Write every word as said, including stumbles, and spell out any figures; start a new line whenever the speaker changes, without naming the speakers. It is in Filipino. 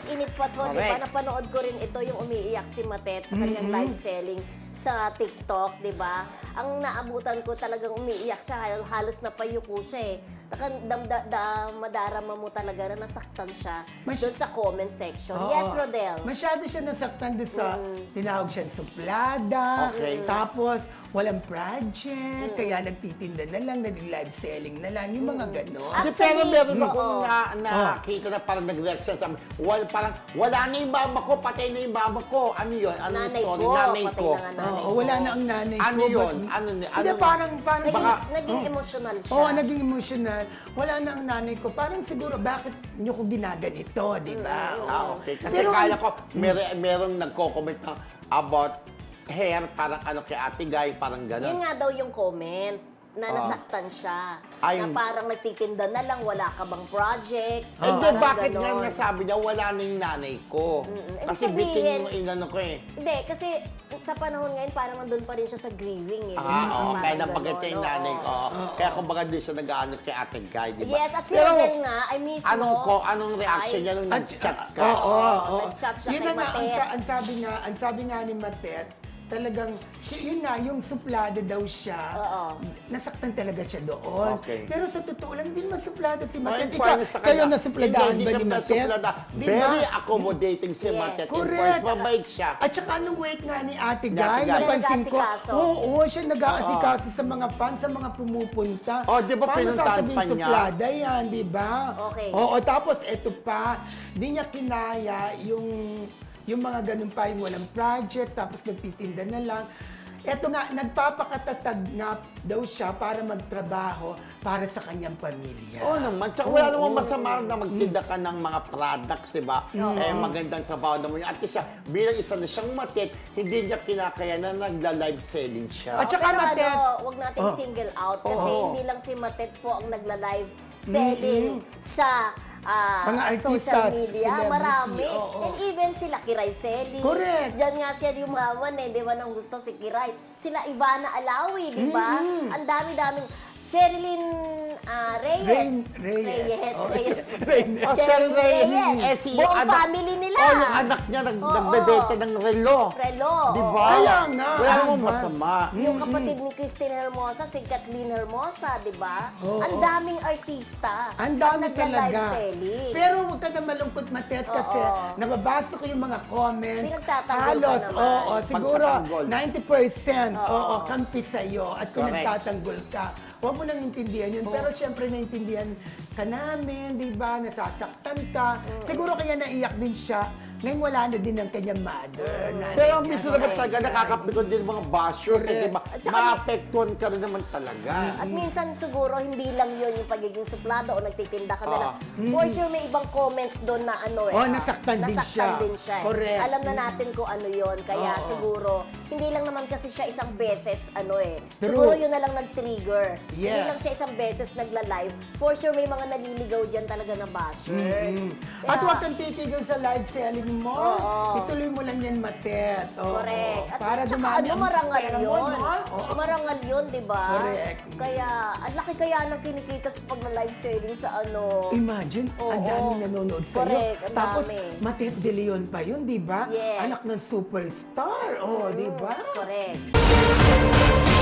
init pa to, di ba?
Correct.
Napanood ko rin ito, yung umiiyak si Matet sa kanyang
Mm-mm.
live selling sa TikTok, di ba? Ang naabutan ko talagang umiiyak siya, hal- halos napayuko siya eh. Takang dam, da, da, madarama mo talaga na nasaktan siya
Mas-
doon sa comment section.
Oo.
Yes, Rodel.
Masyado siya nasaktan doon sa
Mm.
tinawag siyang suplada.
Okay.
Tapos, walang project, kaya nagtitinda na lang, nag-live selling na lang, yung mga ganon.
Ah,
Di, pero
Actually,
meron
oo.
akong na, nakita na parang nag-react siya sa wal, parang wala na yung mama ko, patay na yung mama ko. Ano yun? Ano yung
Nanay
story?
ko,
Nanay
patay
ko.
na nga nanay
Oo,
ko.
wala na ang nanay
Ano
ko.
yun?
but-
Ano ni-
Hindi,
ano-
parang, parang,
Naging,
baka-
naging
Oo.
emotional siya.
Oo, naging emotional. Wala na ang nanay ko. Parang siguro, bakit nyo ko ginaganito, di ba? Oo.
Ah, okay. Kasi
Pero-
kala ko, mer merong nagko-comment ng about hair, parang ano kay Ate Guy, parang gano'n.
Yun nga daw yung comment na
Oo.
nasaktan siya.
Ay,
na
yung-
parang nagtitinda na lang, wala ka bang project.
Eh, di,
parang
bakit nga
ganon.
nasabi niya, wala na yung nanay ko?
Mm-mm.
Kasi
Ibig
bitin
sabihin-
yung inano ko eh.
Hindi, kasi sa panahon ngayon, parang nandun pa rin siya sa grieving eh.
Ah, oo,
Parang
kaya
ganon,
nabagat yung
oo.
nanay ko. Kaya kumbaga doon siya nag-ano kay Ate Guy, di ba?
Yes, at si
Pero,
Rodel nga, ay mismo.
Anong, ko, anong reaction
ay-
niya nung
At-
nag-chat ka?
Oo, oo, oo.
Nag-chat siya
Yun
kay
na nga, ang,
Matet.
sa- ang sabi nga, ang sabi nga ni Matet, talagang, siya- yun nga, yung suplada daw siya,
Oo.
nasaktan talaga siya doon.
Okay.
Pero sa totoo lang, hindi naman suplada si
Oh,
Matet.
in
Ikaw,
fairness sa
kayo
kanya,
nasupladahan
hindi,
ba
hindi
ni
kami
Matet?
nasuplada.
Di
Very
ba?
accommodating si
Yes.
Matet. In
Correct.
first, mabait siya.
At saka nung wait nga ni Ate
Ni Ate
Guy,
Guy.
napansin
Siya
ko,
nag-aasikaso.
oo, siya nag-aasikaso sa mga fans, sa mga pumupunta.
Oh, di ba
Paano
pinuntahan
sasabihin
pa niya?
suplada yan, di ba?
Okay.
Oo, tapos eto pa, di niya kinaya yung yung mga ganun pa, yung walang project, tapos nagtitinda na lang. Eto nga, nagpapakatatag nga daw siya para magtrabaho para sa kanyang pamilya.
Oo naman. Tsaka wala
Oo.
namang masama na magtinda ka ng mga products, di ba? Eh, magandang trabaho naman yun. At least siya, bilang isa na siyang matit, hindi niya kinakaya na nagla-live selling siya.
At saka
Pero
Matet.
ano, wag nating
Oh.
single out kasi
Oo.
hindi lang si Matet po ang nagla-live selling sa ah,
Mga artistas,
social media.
celebrity,
Marami.
oo.
And even sila Kiray Celis.
Correct.
Diyan nga siya yumaman eh. Di ba nang gusto si Kiray? Sila Ivana Alawi, di ba? Ang dami-daming. Sherilyn ah, Reyes.
Rain- Reyes.
Reyes.
Oh,
Reyes.
Reyes.
Oh, Sheryl Reyes. Eh, si
Buong
anak-
family nila.
Oh, yung anak niya nag,
Oo.
nagbebenta ng relo.
Relo.
Di
oo.
ba?
Kaya nga.
Wala namang
Tama.
masama.
Yung kapatid ni Christine Hermosa, si Kathleen Hermosa, di ba?
Oo.
Ang daming artista.
Ang dami
ang nagla-live
talaga.
selling.
Pero huwag ka na malungkot, Matet, kasi
Oo.
nababasa ko yung mga comments.
Pinagtatanggol ka
Halos,
naman.
oo, siguro
Pagtatanggol.
ninety percent,
Oo.
oo, kampi sa'yo at kung
Correct.
nagtatanggol ka. Huwag mo nang intindihan yun. Pero syempre, naintindihan ka namin, di ba? Nasasaktan ka. Siguro kaya naiyak din siya. Ngayon wala na din ang kanyang mother. nanay
Pero
niya.
minsan naman talaga nakakapikon din mga bashers, eh, di ba?
At saka-
Maapektuhan ka rin naman talaga.
At minsan siguro hindi lang yun yung pagiging suplado o nagtitinda ka na lang.
Oo.
For sure may ibang comments doon na ano eh.
Oh,
ah,
nasaktan din
nasaktan
siya.
din siya. eh.
Correct.
Alam na natin kung ano yun. Kaya
Oo.
siguro, hindi lang naman kasi siya isang beses ano eh.
True.
Siguro yun na lang nag-trigger. Hindi
Yes.
lang siya isang beses nagla-live. For sure may mga naliligaw dyan talaga na bashers.
Mm.
Kaya-
At huwag kang titigil sa live selling mo.
Oo.
Ituloy mo lang yan, Matet. Oo.
Correct. At
Para
saka
dumami
ano,
ang
marangal
pera mo,
yun.
no? Oo.
Marangal yun, di ba?
Correct.
Kaya, ang laki kaya ng kinikita sa pag live selling sa ano.
Imagine, ang
Oo.
daming nanonood sa'yo.
Correct, ang
Tapos,
dami.
Matet De Leon pa yun, di ba?
Yes.
Anak ng superstar. Oh, di ba?
Correct.